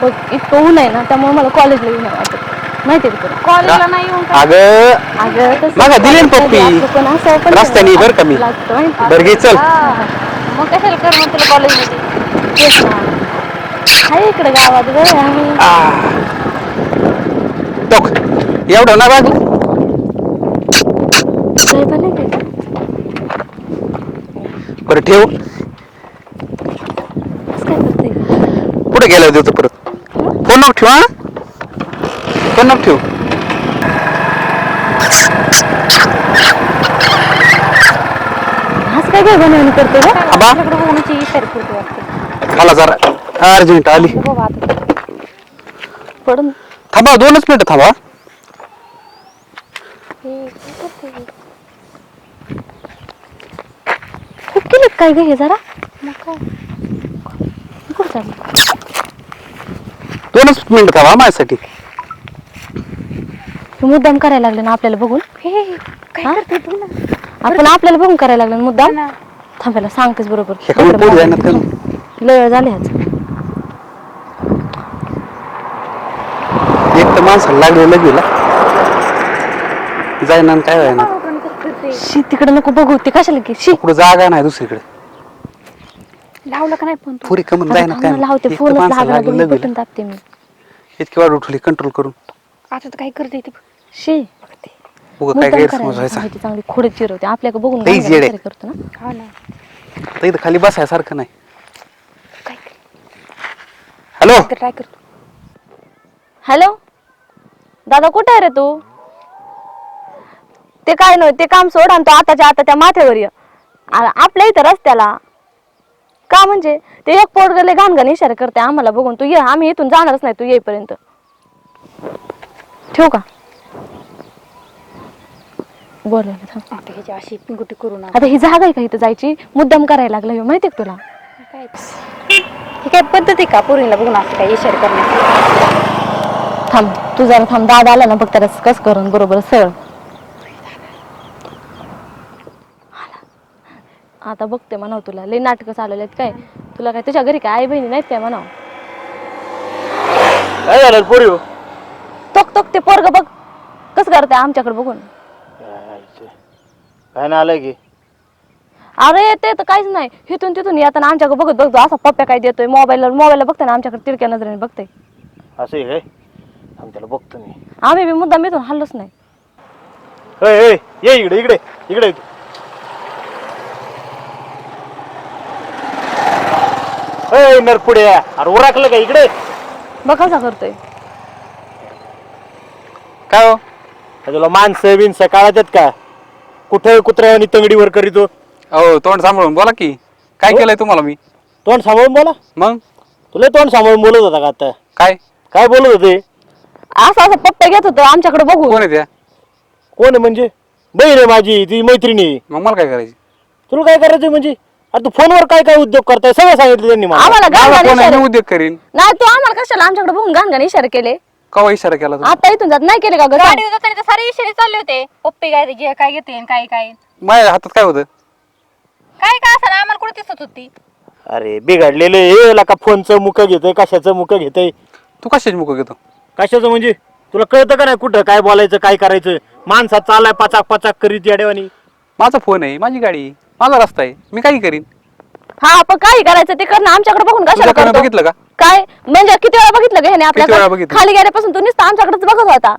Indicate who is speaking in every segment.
Speaker 1: इतकं ऊन आहे ना त्यामुळे मला कॉलेजला येऊन वाटत माहिती आहे तुला
Speaker 2: कॉलेजला नाही येऊन
Speaker 1: अगं
Speaker 3: मला दिली ना पप्पी रस्त्याने बरं का मी बरं घे चल
Speaker 2: मग कशाला कर मग तुला कॉलेजमध्ये
Speaker 1: आहे इकडे गावात गं आम्ही
Speaker 3: टोक एवढं ना बाजू
Speaker 1: काय पण नाही काय
Speaker 3: बरं ठेव
Speaker 1: काय करते
Speaker 3: कुठे गेला देतो परत फोन नको ठेव हा फोन नको ठेव
Speaker 1: आज काय काय बनवून करते ग
Speaker 2: आपल्याकडे होण्याची इशारा करते वाटते
Speaker 3: मला जरा अर्जंट आली
Speaker 2: बाबा आता
Speaker 1: पडून
Speaker 3: थांबा 2च मिनिटं थांबा
Speaker 1: खूप केले काय ग हे जरा मग काय कुठं चाललं
Speaker 3: 2च मिनिटं थांबा माझ्यासाठी
Speaker 1: हे मुद्दाम करायला लागले ना आपल्याला बघून
Speaker 2: हे काय करते तू ना
Speaker 1: आपण आपल्याला बघून करायला लागले ना मुद्दाम थांबायला सांगतेच बरोबर
Speaker 3: हे कमी पोट जाणार का
Speaker 1: लय वेळ झाले आज
Speaker 3: एक तर माणसाला लागले लगेला जायना काय व्हायना
Speaker 1: शी तिकडे नको बघू ते कशाला की शी
Speaker 3: कुठं जागा नाही दुसरीकडे
Speaker 2: लावलं का नाही पण तू
Speaker 3: पुरी कमन जायना काय
Speaker 1: लावते
Speaker 3: एक तर
Speaker 1: फोनच
Speaker 3: माणसाला
Speaker 1: लागला
Speaker 3: लागले
Speaker 1: बटन
Speaker 3: लगेला
Speaker 1: दाबते मी
Speaker 3: इतकी वाढ उठली कंट्रोल करून
Speaker 2: आता तर काय करते ते
Speaker 1: शी
Speaker 3: उगा काय
Speaker 1: मुद्दाम
Speaker 3: गैरसमज
Speaker 1: करायला
Speaker 3: व्हायचा
Speaker 1: सांगायची, चांगली खोडे चिरवते आपल्याला बघून
Speaker 3: लई
Speaker 1: गाणं
Speaker 3: येडे.
Speaker 1: गाणं करतो ना
Speaker 2: हा ना
Speaker 3: तर इथं खाली बसायसारखं नाही
Speaker 2: काय
Speaker 3: हॅलो
Speaker 2: ट्राय करतो
Speaker 1: हॅलो दादा कुठे आहे रे तू ते काय नाही ते काम सोड आणि तो आताच्या आता त्या माथ्यावर ये आपल्या इथं रस्त्याला का म्हणजे ते एक पोरगले घाण इशारा करते आम्हाला बघून तू ये आम्ही इथून जाणारच नाही तू येईपर्यंत ठेवू का बोलवलं थांब.
Speaker 2: आता ह्याची अशी गुटी करू ना
Speaker 1: आता ही जागा आहे का इथं जायची मुद्दाम करायला लागला ह्यो, माहितीये का तुला
Speaker 2: काय ही काय पद्धत आहे का पोरीला बघून असं काय इशारा करण्याची
Speaker 1: थांब तू जरा थांब दादा आला ना बघ त्याला कस करून बरोबर सरळ आता बघते म्हणाव तुला लई नाटकं चालवले आहेत काय तुला काय तुझ्या घरी काय आई बहिणी नाहीत काय म्हणाव
Speaker 3: काय झालं पोरी
Speaker 1: तोक तोक ते पोरग बघ कस करते आमच्याकडे बघून
Speaker 3: काय ना आलंय की
Speaker 1: अरे ते तर काहीच नाही इथून तिथून येताना आमच्याकडे बघत बघतो असा पप्प्या काय देतोय मोबाईलला बघते ना आमच्याकडे तिरक्या नजरेने बघते
Speaker 3: असं आहे काय त्याला बघतो मी
Speaker 1: आम्ही बी मुद्दाम इथून हल्लोच नाही
Speaker 3: ये इकडे इकडे इकडे नरपुडे अरे उराकलं का इकडे
Speaker 1: बघ कसा करतोय
Speaker 3: काय हो तुला माणसं बिनसं काळात का कुठं कुत्र्या आणि तंगडीवर करीतो
Speaker 4: हो तोंड सांभाळून बोला की काय केलंय तुम्हाला मी
Speaker 3: तोंड सांभाळून बोला
Speaker 4: मग
Speaker 3: तुला तोंड सांभाळून बोलत होता का आता
Speaker 4: काय
Speaker 3: काय बोलत होते
Speaker 1: असं असं पप्प्या घेत होतो आमच्याकडे बघू
Speaker 4: कोण आहे त्या
Speaker 3: कोण आहे म्हणजे बहीण आहे माझी ती मैत्रिणी आहे.
Speaker 4: मग मला काय करायची
Speaker 3: तुला काय करायचं म्हणजे अरे तू फोनवर काय काय उद्योग करताय सगळं सांगितलं त्यांनी मला
Speaker 1: आम्हाला
Speaker 4: मला
Speaker 1: घाण
Speaker 4: कोण आहे
Speaker 1: इशारे
Speaker 4: मी उद्योग करीन
Speaker 1: नाही तू आम्हाला कशाला आमच्याकडे बघून घाण इशारे केले
Speaker 4: कवा इशारा केला तू
Speaker 1: आता इथून जात नाही केले का ग
Speaker 2: गाडी जाताना तर सारे इशारे चालले होते पप्पी काय काय घेते आणि काय काय
Speaker 4: माझ्या हातात काय होतं
Speaker 2: काय काय असं आम्हाला कुठे दिसत होती
Speaker 3: अरे बिघडलेलं हे का फोनचं मुख घेतोय कशाचं मुख घेतोय
Speaker 4: तू कशाची मुख घेतो
Speaker 3: कशाचं म्हणजे तुला कळतं का नाही कुठं काय बोलायचं काय करायचं माणसात चाललाय पाचाक पाचाक करीत याडेवानी
Speaker 4: माझा फोन आहे माझी गाडी माझा रस्ता आहे मी काही करीन
Speaker 1: हा पण काही करायचं ते करणं आमच्याकडे बघून कशाला
Speaker 4: तुझ्याकडे
Speaker 1: करतो?
Speaker 4: बघितलं का?
Speaker 1: काय म्हणजे किती वेळा बघितलं का ह्याने
Speaker 4: किती वेळा
Speaker 1: आपल्याला
Speaker 4: बघितलं?
Speaker 1: खाली गेल्यापासून तू नुसतं आमच्याकडेच बघत होता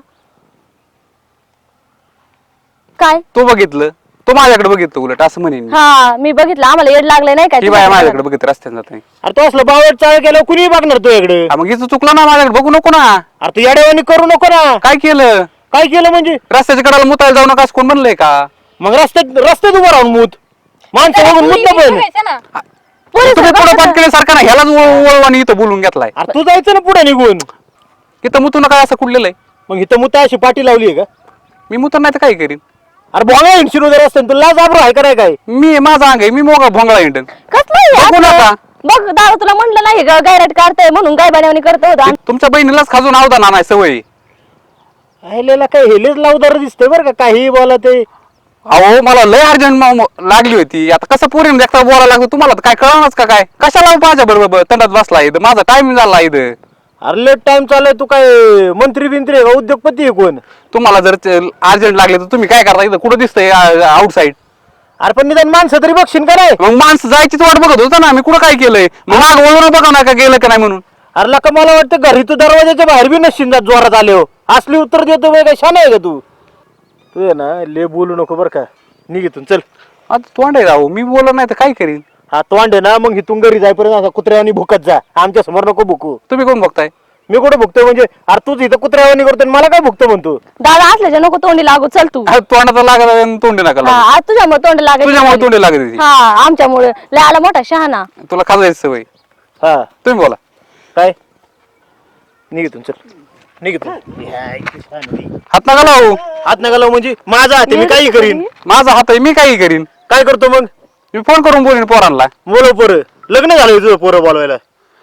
Speaker 1: काय
Speaker 4: तू बघितलं तू माझ्याकडे बघितलं उलट असं म्हणेन मी.
Speaker 1: हा मी बघितलं आम्हाला येड लागले नाही
Speaker 4: ही बाया
Speaker 1: काय
Speaker 4: माझ्याकडे बघित रस्त्याने जात नाही
Speaker 3: अरे तो असलं बावट चाळ केलं कुणी बघणार तुझ्याकडे
Speaker 4: हा, मग हिचं चुकलं ना माझ्याकडे बघू नको ना
Speaker 3: अरे तू याडेवानी करू नको ना
Speaker 4: काय केलं
Speaker 3: काय केलं म्हणजे
Speaker 4: रस्त्याच्या कडाला मुतायला जाऊ नका असं कोण म्हणलंय का
Speaker 3: मग रस्त्यात उभं राहून मूत माणसं बघून मूत पण
Speaker 2: बघायचं ना
Speaker 4: तुम्ही पुढे पाठ केल्यासारखं ना ह्यालाच वळवानी इथं बोलून घेतलाय
Speaker 3: अरे तू जायचं ना पुढे निघून
Speaker 4: इथं मुतू नका असं कुठलेलं आहे
Speaker 3: मग इथं मुता अशी पाठी लावली आहे का
Speaker 4: मी मुतर नाही तर काय करीन
Speaker 3: अरे भोंगा हिंडशील वगैरे असतं तुला जाबरू आहे का नाही काय
Speaker 4: मी माझा अंग आहे मी मोगा भोंगळा हिंडन
Speaker 1: कसलं
Speaker 4: बघू नका.
Speaker 1: बघ दादा तुला म्हटलं नाही गायराट काढताय म्हणून गाय बनवणी करतो होता
Speaker 4: तुमच्या बहिणीलाच खाजून आवदा नाही सवय
Speaker 3: राहिलेला काय हेलेच लावदार दिसतंय बरं का काही बोला ते
Speaker 4: अहो मला लय अर्जंट लागली होती आता कसं पोरीन देखता बोलायला लागतो तुम्हाला तर काय कळणारच का काय कशाला माझ्या बरोबर तंडात बसला इथं माझा टाइम झाला इथं
Speaker 3: अरे लेट टाइम चाललाय, तू काय मंत्री बिंत्री आहे का, उद्योगपती आहे कोण?
Speaker 4: तुम्हाला जर अर्जंट लागले तर तुम्ही काय करता? इथं कुठं दिसतंय आउटसाईड?
Speaker 3: अरे पण निदान माणसं तरी बघशील का नाही?
Speaker 4: मग माणसं जायचीच वाट बघत होता ना, आम्ही कुठं काय केलंय? मग माग वळून बघा ना का गेलं का नाही म्हणून.
Speaker 3: अरे लका मला वाटतं घरी तू दरवाजाच्या बाहेर बी नसशील जात जोरात आले हो. असली उत्तर देतो बाई, काय शान आहे का तू? तू आहे ना ले बोलू नको बरं का, निघितून चल.
Speaker 4: आता तोंड आहे राहू, मी बोलत नाही तर काय करीन?
Speaker 3: हा तोंड आहे ना, मग इथून घरी जाईपर्यंत असा कुत्र्यावानी भुकत जा, आमच्या समोर नको भुकू.
Speaker 4: तुम्ही कोण बघताय?
Speaker 3: मी कुठे भुकतोय म्हणजे? अरे तूच इथं कुत्र्यावानी करतोय आणि मला काय भुकतो म्हणतो?
Speaker 1: दादा असल्याच्या नको तोंडी लागू, चल तू.
Speaker 4: अरे तोंडाचा लागत आणि तोंडी नका लागू.
Speaker 1: हा, आज तुझ्यामुळे तोंड
Speaker 4: तुझ्यामुळे
Speaker 1: लागेल.
Speaker 4: तोंडी लागत होती.
Speaker 1: हा, आमच्यामुळे लय आला मोठा शहाणा.
Speaker 4: तुला खाजायची सवय.
Speaker 3: हा
Speaker 4: तुम्ही बोला.
Speaker 3: काय? निघितून चल, निघितून.
Speaker 4: हात नका लावू.
Speaker 3: हात नका लावू म्हणजे? माझा हात आहे, मी काही करीन.
Speaker 4: माझा हात आहे, मी काही करीन.
Speaker 3: काय करतो मग?
Speaker 4: मी फोन करून बोलीन पोरांना.
Speaker 3: बोलव पोरं, लग्न झालं तुझं पोरं बोलवायला.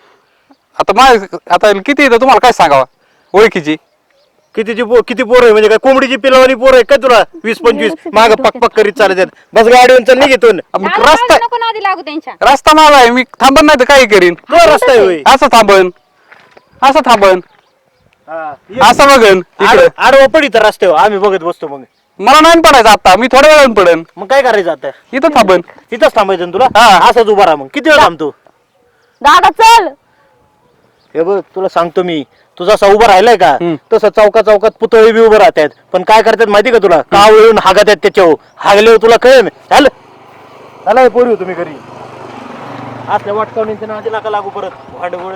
Speaker 4: आता किती येतं तुम्हाला काय सांगावं? ओळखीची
Speaker 3: किती पोरं आहे म्हणजे काय कोंबडीची पिलावानी पोरं आहे काय तुला? 20-25 माग पक पक करीत चालत बस गाडीवर चल, निघितून.
Speaker 4: रस्ता
Speaker 2: नको नादी लागू त्यांच्या.
Speaker 4: रस्ता माझा आहे, मी थांबन नाही तर काही करीन.
Speaker 3: तो रस्ता आहे होय.
Speaker 4: असं थांबन, असं थांबन, असं बघन इकडे.
Speaker 3: आडवा पडी तर रस्त्यावर आम्ही बघत बसतो. मग
Speaker 4: मला नाही पडायचं आता, मी थोड्या वेळानं पडन.
Speaker 3: मग काय करायचं आता?
Speaker 4: इथं थांबन.
Speaker 3: तिथंच थांबायचं ना तुला?
Speaker 4: हा.
Speaker 3: असंच उभा राहा. मग किती वेळ थांबतो?
Speaker 1: दादा चल.
Speaker 3: हे बघ तुला सांगतो मी, तू जसा उभा राहिलाय का
Speaker 4: हम्म.
Speaker 3: तसं चौकात पुतळे बी उभं राहतात. पण काय करतात माहिती का तुला? काव येऊन हागतात त्याच्यावर, हागल्यावर तुला कळेल. झालं पोरी तुम्ही घरी असल्या वाटकावणींच्या नादी नका लागू परत. भांडगोळ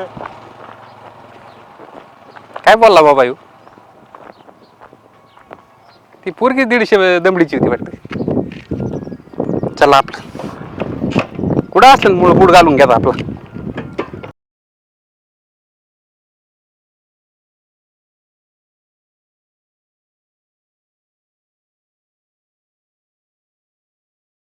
Speaker 4: काय बोलला बाबा येऊ? ती पोरगी 150 दमडीची होती वाटते. चला आपलं कुठं असेल मुळ बुड घालून घ्या आपला.